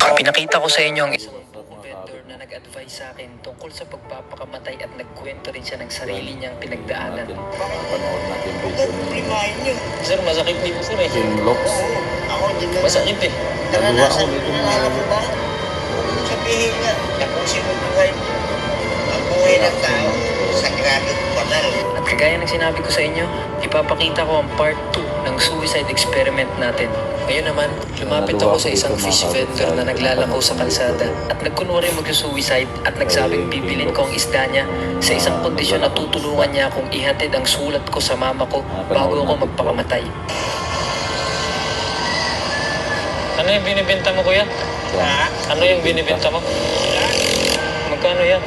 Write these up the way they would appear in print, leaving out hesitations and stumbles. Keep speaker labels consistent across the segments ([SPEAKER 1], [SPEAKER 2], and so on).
[SPEAKER 1] Pinakita ko sa inyo ang isang vendor na nag-advise sa akin tungkol sa pagpapakamatay at nagkwento rin siya ng sarili niyang pinagdaanan.
[SPEAKER 2] Panood natin video ni
[SPEAKER 1] Sir, masakit dito sir eh.
[SPEAKER 2] King Locks.
[SPEAKER 1] Masakit eh.
[SPEAKER 2] Nagawa ko dito mga
[SPEAKER 3] Sabihin nga, na kung sino buhay mo, ang buhay ng tao, sagrado banal.
[SPEAKER 1] At kagaya ng sinabi ko sa inyo, ipapakita ko ang part 2 ng suicide experiment natin. Ngayon naman, lumapit ako sa isang fish vendor na naglalakaw sa kalsada at nagkunwari mag-suicide at nagsabing bibilin ko ang isda niya sa isang kondisyon na tutulungan niya akong ihatid ang sulat ko sa mama ko bago ako magpakamatay. Ano yung binibenta mo, kuya? Ano yung binibenta mo? Magkano yan?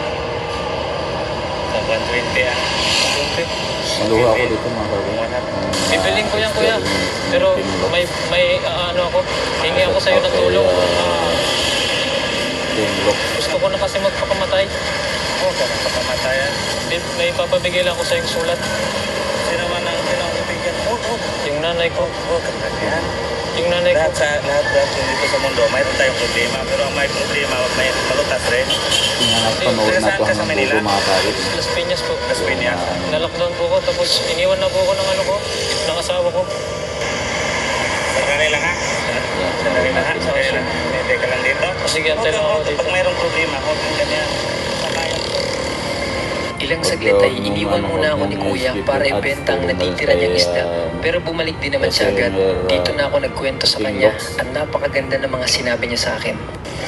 [SPEAKER 3] 120 ah.
[SPEAKER 1] 20.
[SPEAKER 2] Maluha ko dito mga kaibigan.
[SPEAKER 1] Bibiling ko yan, kuya. Pero may ano ako, hingi ako sa'yo ng tulong.
[SPEAKER 2] King Locks.
[SPEAKER 1] Gusto ko na kasi magpakamatay.
[SPEAKER 3] Oo, ka napapamatayan.
[SPEAKER 1] May papabigay lang ako sa'yo sulat.
[SPEAKER 3] Sino man ang pinakibigyan? Oo,
[SPEAKER 1] Yung nanay ko.
[SPEAKER 3] yan.
[SPEAKER 1] Yung nanay ko.
[SPEAKER 3] Lahat dito sa mundo, mayroon tayong problema. Pero ang may problema, wag may malutas rin.
[SPEAKER 2] Tingnan panood na ito hanggang dulo mga kaibigan.
[SPEAKER 1] Las Piñas po.
[SPEAKER 3] Las Piñas.
[SPEAKER 1] Nalockdown po ko, tapos iniwan na po ako ng ano ko, ng asawa ko.
[SPEAKER 3] Sandali lang ha. Sandali lang ha. Sandali lang. Hindi ka lang dito.
[SPEAKER 1] Sige, antay lang ako dito.
[SPEAKER 3] Pag mayroong problema, huwag kang ganyan. Sabayan ko.
[SPEAKER 1] Ilang saglit ay iniwan muna ako ni kuya para ibenta ang natitira niyang isda. Pero bumalik din naman siya agad. Dito na ako nagkwento sa kanya at napakaganda ng mga sinabi niya sa akin.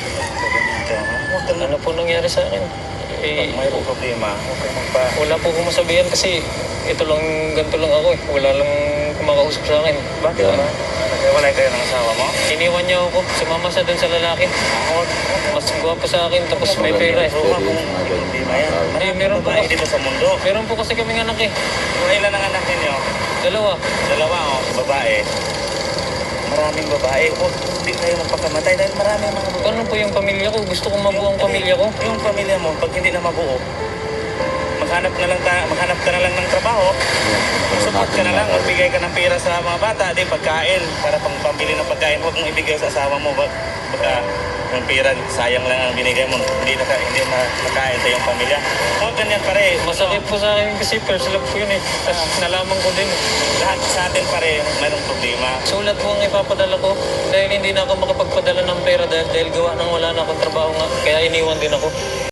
[SPEAKER 1] Ano po nangyari sa akin?
[SPEAKER 3] Pag mayroong problema, huwag kang magpa...
[SPEAKER 1] Wala po akong masabihan kasi ito lang, ganito lang ako eh. Wala lang kumakausap sa akin.
[SPEAKER 3] Bakit ba? Naghiwalay kayo ng asawa mo?
[SPEAKER 1] Iniwan niya ako, sumama siya dun sa lalaki. Mas gwapo sa akin, tapos may pera eh.
[SPEAKER 3] So, kung may problema yan.
[SPEAKER 1] Hindi, meron po
[SPEAKER 3] Babae
[SPEAKER 1] kasi,
[SPEAKER 3] dito sa mundo.
[SPEAKER 1] meron po kasi kaming anak eh.
[SPEAKER 3] Kung ilan ang anak ninyo?
[SPEAKER 1] Dalawa.
[SPEAKER 3] Dalawa o, babae. Maraming babae. Huwag din kayo magpakamatay dahil maraming mga babae.
[SPEAKER 1] Paano po yung pamilya ko? Gusto kong mabuo ang pamilya ko.
[SPEAKER 3] Yung pamilya mo, pag hindi na mabuo, maghanap ka na lang ng trabaho. Support ka na lang, magbigay ka ng pera sa mga bata, di pagkain, para pambili ng pagkain. Huwag mong ibigay sa asawa mo, baka yung pera, sayang lang ang binigay mo, hindi makain sa iyong pamilya. Huwag ganyan pare.
[SPEAKER 1] Masakit po sa akin kasi first love ko yun eh. Tapos nalaman ko din.
[SPEAKER 3] Lahat sa atin pare, mayroong problema.
[SPEAKER 1] Sulat po ang ipapadala ko dahil hindi na ako makapagpadala ng pera dahil gawa nang wala na akong trabaho nga. Kaya iniwan din ako.